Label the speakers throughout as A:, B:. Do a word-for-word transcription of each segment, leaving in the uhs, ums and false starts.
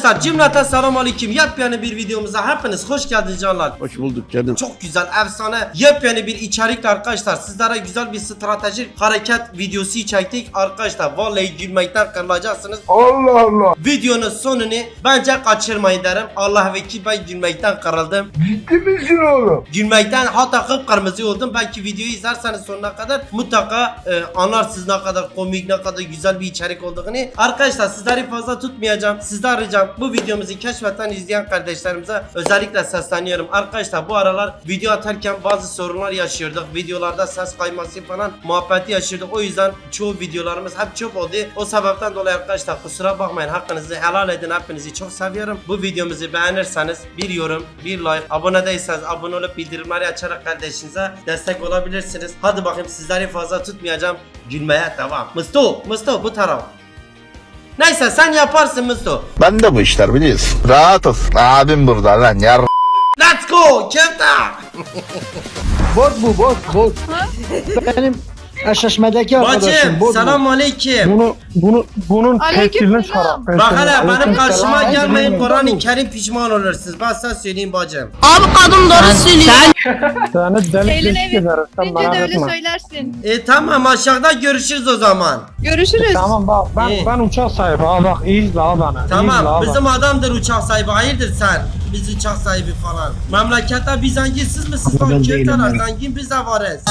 A: Arkadaşlar cümleten selamun aleyküm. Yepyeni bir videomuza hepiniz hoş geldiniz canlar.
B: Hoş bulduk canım.
A: Çok güzel, efsane, yepyeni bir içerikle arkadaşlar sizlere güzel bir stratejik hareket videosu çektik. Arkadaşlar vallahi gülmekten kırılacaksınız.
B: Allah Allah.
A: Videonun sonunu bence kaçırmayın derim. Allah vekil, ben gülmekten kırıldım.
B: Ciddi misin oğlum?
A: Gülmekten hatta kıpkırmızı oldum. Belki videoyu izlerseniz sonuna kadar mutlaka e, anlarsınız ne kadar komik, ne kadar güzel bir içerik olduğunu. Arkadaşlar sizleri fazla tutmayacağım. Sizden ricam bu videomuzu keşfetten izleyen kardeşlerimize özellikle sesleniyorum. Arkadaşlar bu aralar video atarken bazı sorunlar yaşıyorduk. Videolarda ses kayması falan muhabbeti yaşıyorduk. O yüzden çoğu videolarımız hep çöp oldu. O sebepten dolayı arkadaşlar kusura bakmayın. Hakkınızı helal edin. Hepinizi çok seviyorum. Bu videomuzu beğenirseniz bir yorum, bir like, abone değilseniz abone olup bildirimleri açarak kardeşinize destek olabilirsiniz. Hadi bakayım sizleri fazla tutmayacağım. Gülmeye devam. Musto, Musto bu taraf. Neyse sen yaparsın Musto.
C: Ben de bu işler biliyorsun. Rahat ol. Abim burada lan yar.
A: Let's go Kefta.
D: Bot bu bot bot. Benim eşleşmedeki arkadaşım
A: Bacım
D: bot.
A: selamun aleyküm.
E: Bunu bunu bunun testilini
F: Aleykümselam.
E: çıkar.
A: Bak hele benim karşıma
D: Aleykümselam.
A: gelmeyin, Kur'an-ı
D: Aleykümselam.
A: Kerim pişman olursunuz. Ben size söyleyeyim bacım.
F: Abi kadın doğru söylüyor.
E: Seni deli
F: Eline
E: deşik
F: bir
E: ederiz. Sen
F: Bence
E: merak
F: de öyle
E: etme.
F: söylersin.
A: E tamam, aşağıda görüşürüz o zaman.
F: Görüşürüz.
E: Tamam bak ben
A: İyi.
E: ben uçak sahibi ha bak iyi izle ha bana. iyi izle
A: Tamam,
E: ha
A: bizim
E: bana.
A: adamdır uçak sahibi. Hayırdır sen? Biz uçak sahibi falan. Memlekette biz zenginsiz misiniz lan?
D: Ben
A: Keftalar
D: değilim
A: zengin, biz de varız.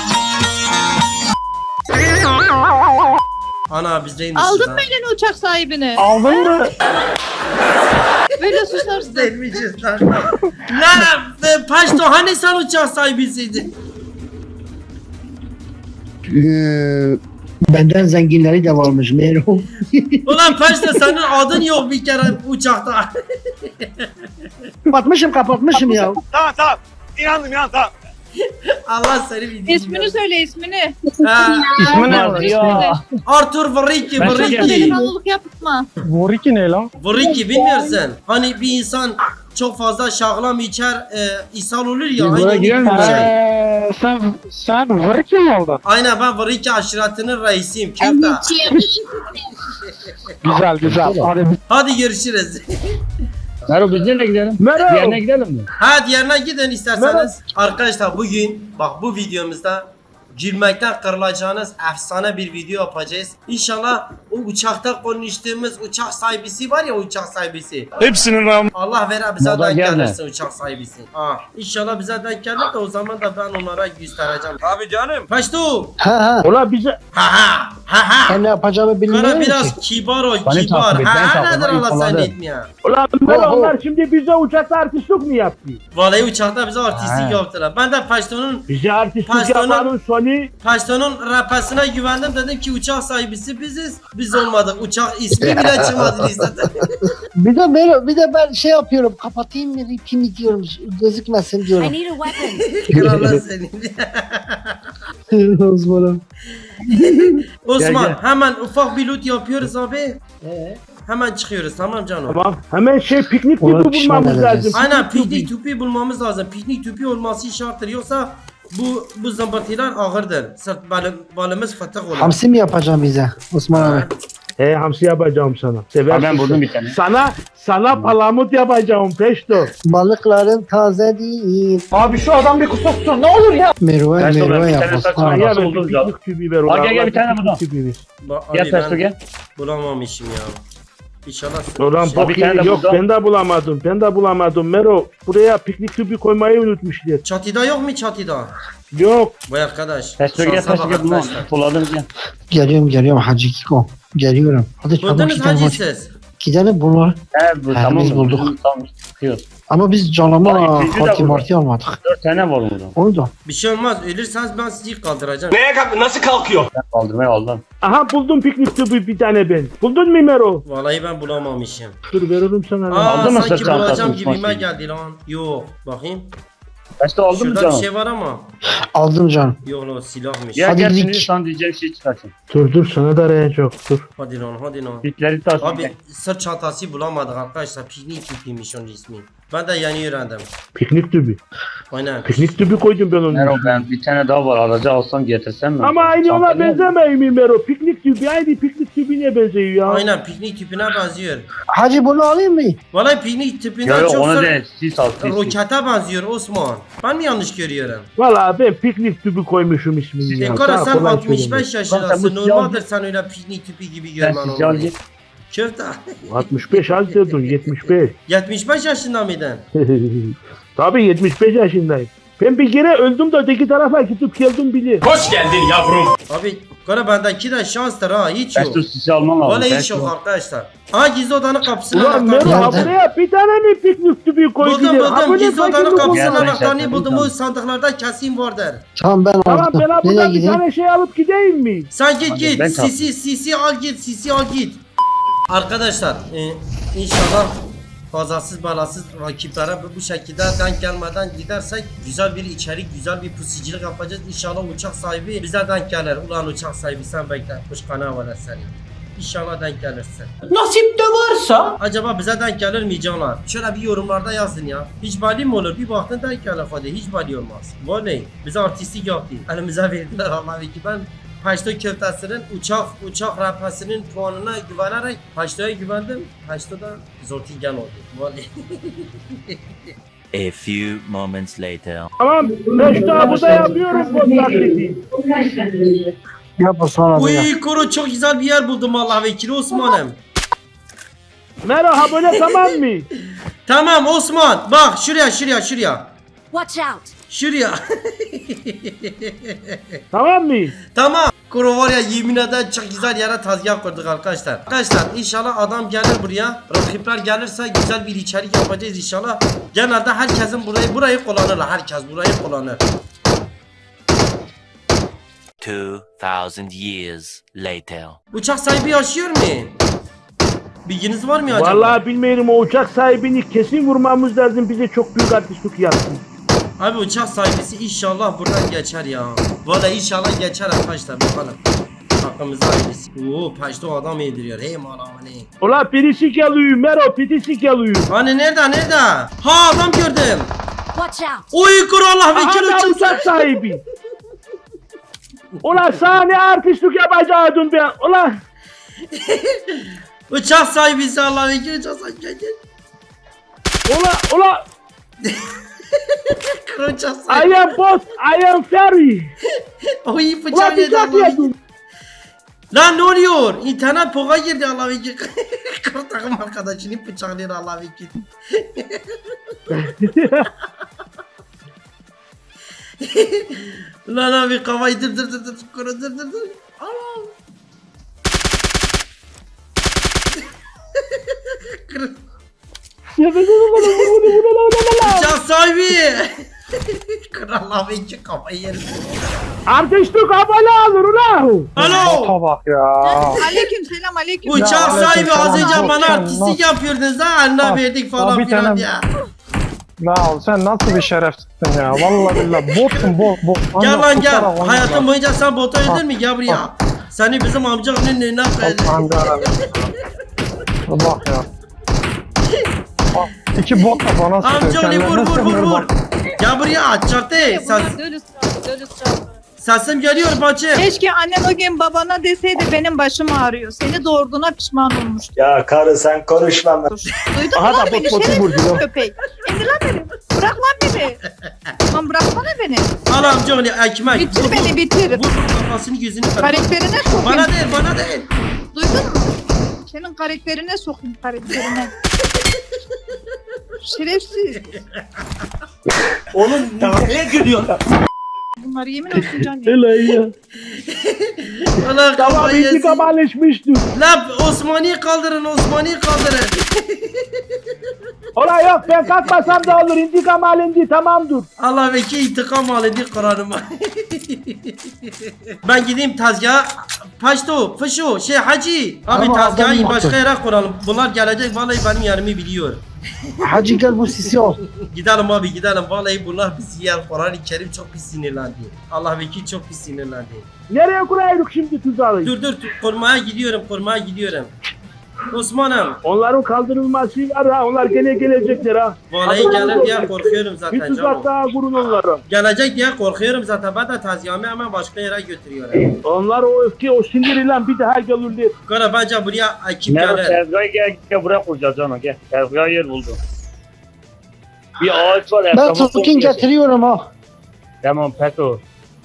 A: Ana biz değilmişiz
F: Aldın
A: ha.
F: mı elini uçak sahibini?
E: Aldın mı?
F: Böyle susarsın.
A: Değilmişiz lan. Lan e, Paşto hani sen uçak sahibisiydin?
D: Ee, benden zenginleri de varmış Mero.
A: Ulan Paşto senin adın yok bir kere uçakta.
D: kapatmışım kapatmışım ya.
G: Tamam tamam. İnandım inandım tamam.
A: Allah seni bildiğin.
F: İsmini söyle ismini.
A: Ha,
E: İsmi ne?
F: Söyle.
A: Arthur Vriki, Vriki.
F: Delikanlılık yapma.
E: Voriki ne lan?
A: Vriki bilmiyorsun. Hani bir insan çok fazla şahlam içer, e, ishal olur ya.
D: Biz buraya
A: Aynı
D: girer
A: bir
D: miyiz?
A: şey.
E: Eee sen sen Voriki mi oldun?
A: Aynen, ben Vriki aşiretinin reisiyim. Kefta.
E: Güzel güzel. Hadi
A: Hadi görüşürüz.
B: Mero biz nereye gidelim?
E: Mero.
B: Diğerine gidelim mi?
A: Ha diğerine gidin isterseniz. Arkadaşlar bugün bak bu videomuzda gülmekten kırılacağınız efsane bir video yapacağız. İnşallah o uçakta konuştuğumuz uçak sahibisi var ya, uçak sahibisi.
G: Hepsinin ram.
A: Allah vere bize
B: Moda
A: denk
B: gelme.
A: gelirse uçak sahibisi. Ha, İnşallah bize denk gelir de o zaman da ben onlara göstereceğim.
G: Abi canım.
A: Paştu.
D: Ha ha.
E: Ola bize
A: Ha ha. Ha ha.
D: Ben ne yapacağımı
A: Kara
D: bilmiyorum
A: biraz
D: ki.
A: kibar ol,
B: Beni
A: kibar.
B: takip et, ben
A: Ha
B: takip
A: nedir
B: et,
A: Allah
B: falan
A: seni
B: de.
A: etmiyor.
E: Ulan
D: Ho,
E: Mero
D: ho.
E: onlar şimdi bize uçakta artistlik mi yaptı?
A: Vallahi uçakta bize artistlik
B: Ha.
A: yaptılar. Ben de Paşto'nun
E: Bize artistlik
A: Pastanın-
E: yapanın sonu.
A: Paşto'nun rapesine güvendim, dedim ki uçak sahibisi biziz. Biz olmadık. Uçak ismi bile çıkmadı listede.
D: Bir de Mero bir de ben şey yapıyorum kapatayım mı ripimi diyorum gözükmesin
H: I
D: diyorum.
H: need a weapon.
A: Krallar senin.
D: Osman'ım.
A: Osman
E: Gel,
A: hemen ufak bir loot yapıyoruz abi. Hemen çıkıyoruz, tamam canım.
E: Tamam. Hemen şey piknik
D: Ona
E: tüpü
D: pişman
E: bulmamız
D: edeceğiz.
E: lazım.
A: Aynen, piknik tüpü bulmamız lazım. Piknik tüpü olması şarttır, yoksa bu bu zımbırtılar ağırdır. Sırt balım, balımız fıtık olur.
D: Hamsi mi yapacağım bize Osman abi?
E: He hamsi yapacağım sana. Seversin.
B: Ben buldum
E: sen.
B: bir tane.
E: Sana sana palamut yapacağım peşto.
D: Balıkların taze değil.
E: Abi şu adam bir kusursun ne olur ya.
D: Meru'a
B: Ben sonra
D: Meru'a
B: bir
D: yap
B: tane
D: Osman
B: saçma
D: abi.
B: ya.
E: Ya
B: Nasıl
E: ben
B: buldunuz
E: bir
B: ya?
E: piknik tübü ver.
B: Al gel, gel, bir tane
E: piknik
B: buradan.
E: tübü ver.
A: Ba-
B: Gel
A: abi
B: Testo
A: ben
B: gel.
A: bulamamışım ya. İnşallah.
E: Ulan
A: şey-
E: bok
B: bir tane de
E: yok
B: burada.
E: ben de bulamadım. Ben de bulamadım. Mero buraya piknik tübü koymayı unutmuşlar.
A: Çatıda yok mu çatıda?
E: Yok.
A: Vay arkadaş.
B: Testo gel,
A: şansa
B: Testo
A: bak
B: gel. Bunu
A: arkadaşlar.
B: buladım gel.
D: Geliyorum geliyorum Hacı Kiko. Geliyorum. Hadi çabuk
A: Buldunuz
D: gidelim
A: hacı
D: hadi.
A: siz.
D: Gidelim bunlar.
B: He bu
D: Ha,
B: tamam.
D: biz bulduk.
B: Tamam çıkıyor.
D: Ama biz canlama
B: Ay, ikinci de
D: Fatih
B: burada.
D: Martı almadık.
B: Dört tane var burada.
D: Onu da.
A: Bir şey olmaz. Ölürseniz ben sizi kaldıracağım.
G: Neye kalk nasıl kalkıyor?
B: Ben kaldırmaya aldım.
E: Aha buldum piknik tübü bir tane ben. Buldun mu Mero?
A: Vallahi ben bulamamışım.
E: Dur veririm sana. lan.
A: Aa
B: Aldın mı
A: sanki
B: sırt çantası,
A: bulacağım
B: uçmak
A: gibime
B: gibi?
A: geldi lan. Yok. Bakayım.
B: Testo aldın mı
A: Şurada bir
B: canım?
A: şey var ama.
D: Aldım canım.
A: Yok lan, silahmış.
B: Gel
D: Hadi
B: gel
D: lik.
B: şimdi sana diyeceğim şey çıkarsın.
E: Dur dur sana da arayacak dur.
A: Hadi lan, hadi lan.
B: Bitleri taş.
A: Abi sırt çantası bulamadık arkadaşlar. Piknik tüpüymüş onun ismi. Ben de yeni öğrendim.
E: Piknik tübü.
A: Aynen.
E: Piknik tüpü koydum ben onun
B: Mero
E: içine.
B: ben bir tane daha var aracı alsam getirsem mi?
E: Ama aynı ona
B: Çantaya mı?
E: benzemeyi mi Mero? Piknik tüpü aynı piknik tüpüne benziyor ya.
A: Aynen piknik tüpüne benziyor.
D: Hacı bunu alayım mı?
A: Vallahi piknik tüpünden
B: Yok yok
A: çok
B: onu
A: sonra
B: değil. Sis al sis. sis.
A: rokete benziyor Osman. Ben mi yanlış görüyorum?
E: Valla ben piknik tüpü koymuşum ismini ya.
A: Dekora
E: Sana
A: sen
E: kolay
A: altmış
E: söyleyeyim.
A: beş yaşındasın.
B: Sen bu
A: Normaldir sen öyle piknik tüpü gibi
B: Sen
A: görmen
B: sis al
A: onu.
B: git.
A: Köfte.
E: altmış beş az dedin yetmiş beş.
A: yetmiş beş yaşında mıydın?
E: Tabii yetmiş beş yaşındayım. Ben bir kere öldüm de öteki tarafa gidip geldim bilir.
G: Hoş geldin yavrum.
A: Abi Kora bendeki de şanstır ha hiç yok.
B: Kaçtı sisi alman lazım.
A: Vallahi hiç
B: Kaçtı.
A: yok arkadaşlar. Ha gizli odanın kapısının
E: Ulan Mero
A: anahtarını
E: ha
D: Nerede?
E: buraya bir tane mi piknik tüpü koy
A: buldum
E: gidelim? Ha
A: buldum
E: böyle
A: gizli odanın
E: fakirlik
A: kapısının
B: Gel,
E: olmaz.
B: sen
A: anahtarını
B: sen
A: buldum
B: sen.
A: o sandıklarda kesin vardır.
D: Tamam ben
E: Tamam
D: aldım.
E: ben ha
D: Nereye
E: buradan bir
D: gideyim?
E: tane şey alıp gideyim mi?
A: Sen git
B: Hadi,
A: git
B: ben
A: sisi sisi al git sisi al git. Arkadaşlar e, inşallah kazasız belasız rakiplere bu- bu şekilde denk gelmeden gidersek güzel bir içerik güzel bir pusicilik yapacağız. İnşallah uçak sahibi bize denk gelir. Ulan uçak sahibi sen bekle kuş kana var seni. İnşallah denk gelirsin.
G: Nasip de varsa.
A: Acaba bize denk gelir mi canlar? Şöyle bir yorumlarda yazın ya. Hiç bali mi olur? Bir baktın denk gelir hadi. Hiç bali olmaz. Vallahi bize artistik yaptı. Elimize verdiler Allah'ım ki ben Paşto köftesinin uçak uçak rapasının puanına güvenerek Paşto'ya güvendim. Paşto da Zortingen oldu. Vallahi.
H: A few moments later.
E: Tamam ben şu an burada yapıyorum bu taklidi.
D: Yap Osman abi ya.
A: Uy kuru çok güzel bir yer buldum Allah vekili Osman'ım.
E: Mero ha böyle tamam mı?
A: Tamam Osman bak şuraya şuraya şuraya.
I: Watch out!
A: Şuraya.
E: Tamam mı?
A: Tamam. Kuru var ya yemin ederim çok güzel yere tezgah kurduk arkadaşlar. Arkadaşlar inşallah adam gelir buraya. Rakipler gelirse güzel bir içerik yapacağız inşallah. Genelde herkesin burayı burayı kullanırlar. Herkes burayı kullanır.
H: Two thousand years later.
A: Uçak sahibi yaşıyor mu? Bilginiz var mı acaba?
E: Vallahi bilmiyorum o uçak sahibini kesin vurmamız lazım bize çok büyük artistlik yapsın.
A: Abi uçak sahibisi inşallah buradan geçer ya. Vallahi inşallah geçer arkadaşlar bakalım. Hakkımızda hayırlısı. Oo paşto adam yediriyor. Hey malamani.
E: Ulan birisi geliyor Mero birisi geliyor.
A: Hani nerede nerede? Ha adam gördüm.
I: Watch out!
A: Oy kuru Allah vekil
E: Aha da
A: uçak
E: uçak sahibi. Ulan sana ne artistlik yapacaktın ben. Ulan.
A: Uçak sahibisi Allah vekil uçak sahibi gel gel.
E: Ulan ulan.
A: Kuru uçak sahibi.
E: I am boss. I am ferry.
A: Oy
E: Ulan
A: bıçak yedi
E: bıçak
A: Allah vekil.
E: yedin.
A: Lan ne oluyor? İnternet poka girdi Allah vekil. Kuru takım arkadaşını bıçaklıyor Allah vekil. Lan abi kafayı dır dır dır dır kuru dır dır dır. Anam. Kuru. Uçak sahibi. Kuru Allah vekil kafayı yerim.
E: Artistlik abone alır ulan.
A: Alo.
D: bak ya.
F: Aleyküm selam aleyküm.
A: Uçak
D: Ya,
A: sahibi az
D: aleyküm
A: önce
D: selam.
A: bana
D: Çok
A: artistlik
D: canım.
A: yapıyordunuz ha eline
D: Ah,
A: verdik
D: ah,
A: falan
D: bir
A: filan
D: tane-
A: ya.
D: Ya sen nasıl bir şerefsizsin ya. Vallahi billahi botsun bot bot.
A: Gel
D: Ancak
A: lan gel.
D: kusura bakma.
A: Hayatın boyunca sen bota öldün mü? Gel buraya. Seni bizim amcanın önüne koyalım.
D: Allah'ım yarabbim. Bak ya. Bak, İki bot da bana sıkıyor.
A: Amcaoğlu vur
D: Kendilerine
A: vur vur
D: sıkmıyor
A: vur.
D: bak.
A: Gel buraya çarptı. Ses,
F: Bunlar dölüs çarptı, dölüs çarptı.
A: sesim geliyor bacım.
F: Keşke annen o gün babana deseydi benim başım ağrıyor. Seni doğurduğuna pişman olmuştu.
G: Ya karı sen konuşma.
F: Duydun mu
E: Aha da
F: lan
E: bot
F: beni
E: botu vurdu
F: şerefsiz
E: lan.
F: köpek. İndir lan beni. Bırak lan beni. Lan bıraksana beni.
A: Al amcaoğlu ekmek.
F: Bitir
A: Vur,
F: beni
A: vur.
F: bitir.
A: Vur kafasını gözünü kır.
F: Karakterine sokayım.
A: Bana değil bana değil.
F: Duydun mu? Senin karakterine sokayım karakterine. Şerefsiz.
G: Oğlum ne gülüyor?
F: Bunlar yemin olsun can ya.
E: Hele ya.
A: Allah
E: Tamam
A: kafayı yesin.
E: intikam alışmıştır.
A: Lan Osmani'yi kaldırın Osmani'yi kaldırın.
E: Ulan yok ben kalkmasam da olur intikam alındı tamamdır.
A: Allah vekil intikam alındı Kur'an'ıma. Ben gideyim tezgaha. Paşto, fışo, şey hacı. Abi
D: Ama adam
A: tezgahı
D: yoktu.
A: başka yere kuralım. Bunlar gelecek vallahi benim yerimi biliyor.
D: Hacı gel bu sisi ol.
A: Gidelim abi gidelim. Vallahi bunlar bizi yer. Kur'an-ı Kerim çok pis sinirlendi. Allah vekil çok pis sinirlendi.
E: Nereye kuraydık şimdi tuzağı?
A: Dur dur dur, korumaya gidiyorum korumaya gidiyorum. Osman'ım.
E: Onların kaldırılması var ha. Onlar gene gelecekler ha.
A: Vallahi gelir diye korkuyorum
E: Bir
A: zaten
E: tuzak
A: canım.
E: daha kurun onlara.
A: Gelecek diye korkuyorum zaten. Ben de taziyemi hemen başka yere götürüyorum.
E: Onlar o öfke, o siniriyle bir daha gelirler.
A: Kara bence buraya ekip
B: Mero
A: gelir.
B: tezgahı gel, gel buraya koyacağız canım gel. Tezgahı yer buldum. Bir ağaç var.
D: Ben
B: etrafa
D: tutun
B: koyuyorsun.
D: getiriyorum ha.
B: Tamam Peto.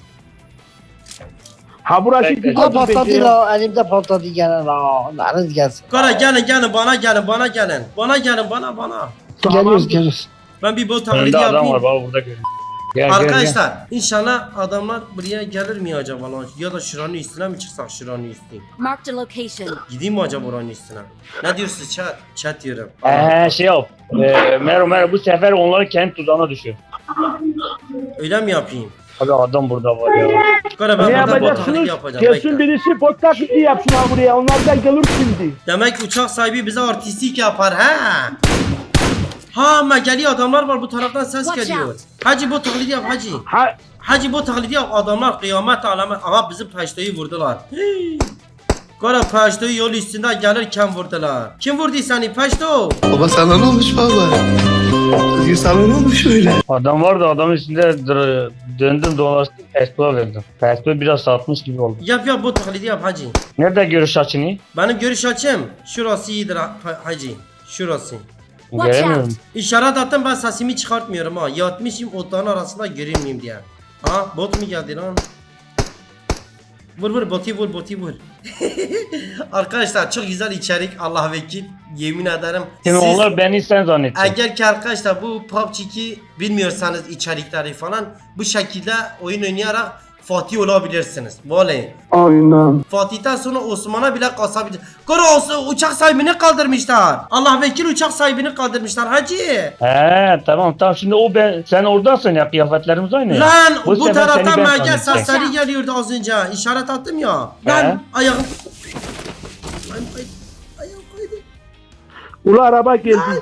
E: Ha burası
B: Bekle.
E: güzel
D: Ha
E: bir
D: patladı
E: bence.
D: la. Elimde patladı gene la. Lanet gelsin.
A: Kara gelin gelin bana gelin bana gelin. Bana gelin bana bana.
D: Geliyoruz geliyoruz.
A: Ben bir bot taklidi
B: Önde adam
A: yapayım.
B: var bak burada görüyorum. Gel, gel,
A: Arkadaşlar inşallah adamlar buraya gelir mi acaba lan? Ya da şuranın üstüne mi çıksak şuranın üstüne?
I: Marked a location.
A: Gideyim mi acaba oranın üstüne? Ne diyorsunuz chat? Chat diyorum.
B: gel. Ee, şey yap. Ee, Mero Mero bu sefer onları kendi tuzağına düşür.
A: Öyle mi yapayım?
B: Abi adam burada var ya.
A: Kara ben
E: Ne
A: burada bot taklidi
E: yapacaksınız?
A: yapacağım.
E: Gelsin
A: Bekle.
E: birisi bot taklidi yapsın ha buraya. Onlar da gelir şimdi.
A: Demek uçak sahibi bize artistik yapar ha? Ha ama geliyor adamlar var bu taraftan ses
I: Watch
A: geliyor.
I: out.
A: Hacı bu taklidi yap hacı.
E: Ha
A: Hacı bu taklidi yap adamlar kıyamet alamet. Aha bizim peşteyi vurdular. Hii. Kara peşteyi yol üstünde gelirken vurdular. Kim vurdu seni peşto?
C: Baba sana ne olmuş baba? Sana ne olmuş öyle?
B: Adam vardı adamın üstünde dır- döndüm dolaştım Pesto'ya verdim. Pesto biraz satmış gibi oldu.
A: Yap yap bu taklidi yap hacı.
B: Nerede görüş açını?
A: Benim görüş açım. Şurası iyidir ha- hacı. Şurası.
I: Watch
B: Göremiyorum.
I: out.
A: İşaret attım ben sesimi çıkartmıyorum ha. Yatmışım otların arasında görünmeyeyim diye. Ha bot mu geldi lan? Vur vur botu vur botu vur. Arkadaşlar çok güzel içerik Allah vekil. Yemin ederim.
B: Şimdi
A: Siz
B: onlar beni sen zannettin.
A: eğer ki arkadaşlar bu P U B G iki bilmiyorsanız içerikleri falan bu şekilde oyun oynayarak Fatih olabilirsiniz. Vallahi.
D: Aynen.
A: Fatih'ten sonra Osman'a bile kasabilir. Kara olsun uçak sahibini kaldırmışlar. Allah vekil uçak sahibini kaldırmışlar hacı.
B: He tamam tamam şimdi o ben sen oradasın ya kıyafetlerimiz aynı.
A: Lan bu,
B: sefer
A: taraftan
B: seni ben
A: merkez
B: zannedecek.
A: sesleri geliyordu az önce. İşaret attım ya.
B: He.
A: Lan ayağım. Lan ay, ayağım kaydı.
E: ulu araba geldi.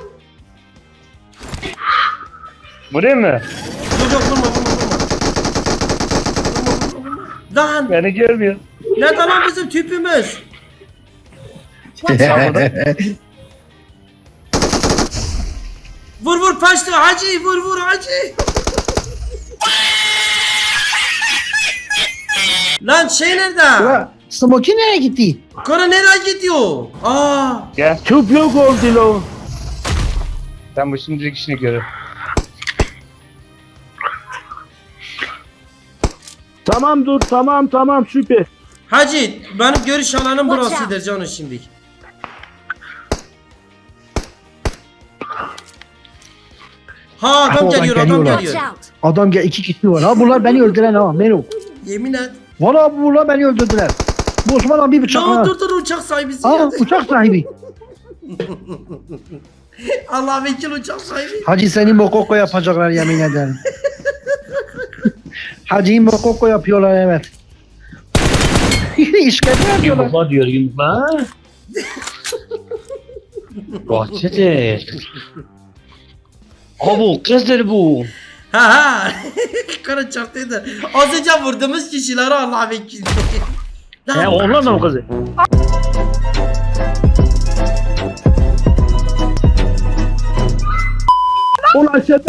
B: Buraya mı?
A: Yok yok vurma vurma vurma. Lan
B: Beni görmüyor.
A: nerede lan bizim tüpümüz? Vur vur paştı hacı vur vur hacı. Lan şey nerede?
D: Ulan Smoky nereye gitti?
A: Kara nereye gidiyor? Aa,
B: Gel.
E: Tüp yok oldu lo.
B: Sen bu şimdilik işini görür.
E: Tamam dur tamam tamam süper.
A: hacı benim görüş alanım
I: Watch
A: burasıdır canım şimdi. Ha adam
D: Oradan
A: geliyor adam
D: geliyorlar.
I: Watch
A: geliyor.
I: out.
D: Adam gel iki kişi var. Ha bunlar beni öldüren ha Mero.
A: Yemin et.
D: Valla bunlar beni öldürdüler. Bu Osman abi bıçak
A: Lan
D: ha.
A: dur dur uçak sahibisi
D: Aa
A: geldi.
D: uçak sahibi.
A: Allah vekil uçak sahibi.
D: Hacı seni mokoko yapacaklar yemin ederim. Hacı'yı mokoko yapıyorlar evet. İşkence yapıyorlar.
B: Yumurta diyor yumurta. Bahçedir. Abi bu kızdır bu.
A: Ha ha. Kara çarptıydı. Az önce vurduğumuz kişileri Allah vekil.
B: He
A: Lan
B: onlar da mı kızı?
E: Ulan aşağıda.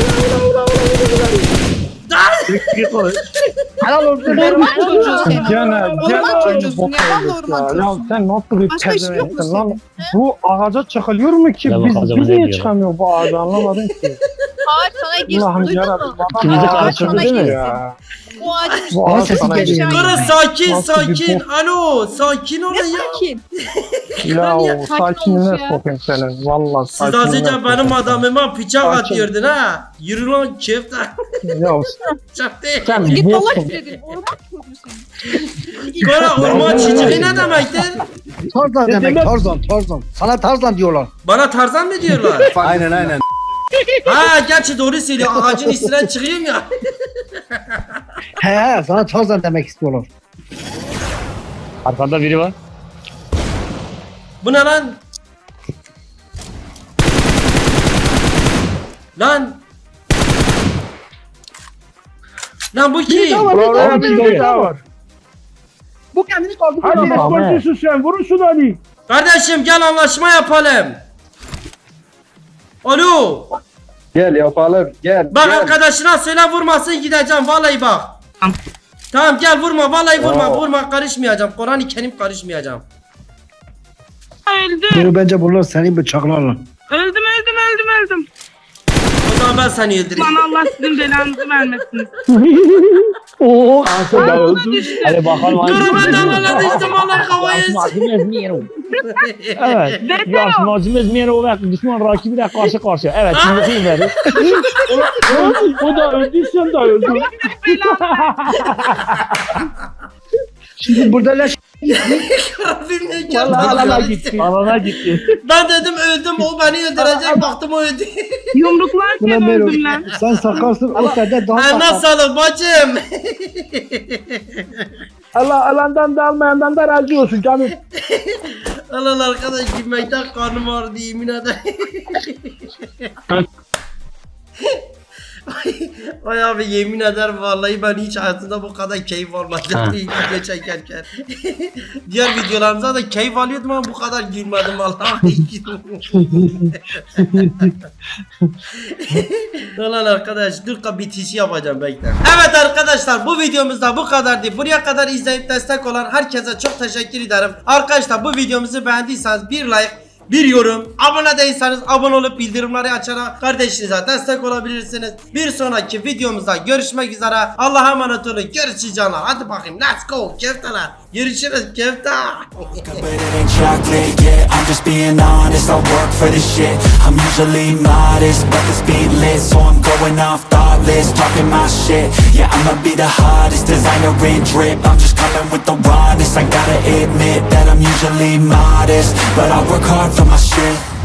D: Helal olsun.
F: Orman çocuğu seni.
D: Gene,
F: Orman çocuğusun ya. Ben de orman
D: Ya
F: çocuğuyum.
D: sen nasıl bir
F: Başka işin yok mu
D: pezevenksin lan?
F: senin?
D: Bu ağaca çıkılıyor mu ki?
B: Ya
D: Biz,
B: bak ağaca
D: biz
B: ne
D: niye
B: diyor?
D: çıkamıyor bu ağaca anlamadım ki.
F: Ağaç sana girsin
D: Allah'ım
F: duydun
D: yarabbim.
F: mu?
B: İkinizi
D: Ağaç
B: karıştırdı
F: sana
B: değil mi?
F: girsin.
D: ya.
F: Bu ağacın
D: Bu ağaç
F: üstüne
D: sana
F: aşağı
D: geliyor.
A: Kara
F: inme.
A: sakin
D: Nasıl bir
A: sakin. Alo sakin olun
F: Ne
A: ya.
F: sakin?
D: Ya o
F: Sakin
D: sakinine
F: olmuş ya.
D: sokayım seni. Valla
A: Siz az
D: sakinine
A: önce benim
D: sokayım.
A: adamıma bıçak
D: Sakin.
A: atıyordun ha. Yürü lan köfte.
D: Ya
A: Çaktı.
D: sen
F: Git
D: boksun.
F: dolaş dedim. Orman çocuğusun.
A: Kara orman çiçeği ne demektir?
D: Tarzan
E: Ne
D: demek
E: demek?
D: Tarzan Tarzan. Sana Tarzan diyorlar.
A: Bana Tarzan mı diyorlar?
C: Aynen aynen.
A: Ha gerçi doğru söylüyor. Ağacın üstünden çıkayım ya.
D: He he sana Tarzan demek istiyorlar.
B: Arkanda biri var.
A: Bu ne lan? Lan. Lan bu kim?
E: Orada bir şey daha var.
D: Bu kendini kaldı.
E: Hadi esporcusun sen vurursun Ali.
A: Kardeşim gel anlaşma yapalım. Alo.
D: Gel yapalım gel.
A: Bak
D: gel.
A: arkadaşına söyle vurmasın gideceğim vallahi bak. Tamam gel vurma vallahi vurma
D: Oo.
A: vurma karışmayacağım. Kur'an-ı Kerim karışmayacağım.
J: Öldüm.
D: Bunu bence bunlar seni bıçaklarla.
J: Öldüm öldüm öldüm öldüm.
A: O zaman ben seni öldüreyim.
J: Lan Allah sizin belanızı vermesin.
E: Oo, Asıl da öldü.
B: Hadi bakalım hangi
A: Dur ben de Allah'a düştüm vallahi kafayı.
B: Yazmazımız Miro. Evet. Yazmazımız Miro ve düşman rakibiyle karşı karşıya. Evet. Şimdi kim verir?
E: O da öldü, sen de öldün.
D: Şimdi burada leş.
A: Rabbim ne
E: Vallahi
A: geldi.
E: alana gitti. Alana gitti.
A: Ben dedim öldüm o beni öldürecek baktım o öldü.
J: Yumruklarken
D: Buna
J: öldüm lan.
D: Sen sakarsın o sende daha
A: Ha,
D: sakar.
A: nasıl bacım?
E: Allah alandan da almayandan da razı olsun canım.
A: Lan arkadaş gülmekten karnım ağrıdı yemin ederim. Ay, ay abi yemin ederim vallahi ben hiç hayatımda bu kadar keyif almadım video çekerken. Diğer videolarımızda da keyif alıyordum ama bu kadar gülmedim vallahi. Lan arkadaş dur ka bitişi yapacağım bekle. Evet arkadaşlar bu videomuzda bu kadardı. Buraya kadar izleyip destek olan herkese çok teşekkür ederim. Arkadaşlar bu videomuzu beğendiyseniz bir like, bir yorum, abone değilseniz abone olup bildirimleri açarak kardeşinize destek olabilirsiniz. Bir sonraki videomuzda görüşmek üzere. Allah'a emanet olun. Görüşürüz canlar. Hadi bakayım. Let's go. Köfteler. Görüşürüz köfte.
G: chocolate, yeah, I'm just being honest. I work for this shit. I'm usually modest, but this beat lit, so I'm going off thoughtless, talking my shit. Yeah, I'ma be the hottest designer in drip. I'm just coming with the rawness. I gotta admit that I'm usually modest, but I work hard for my shit.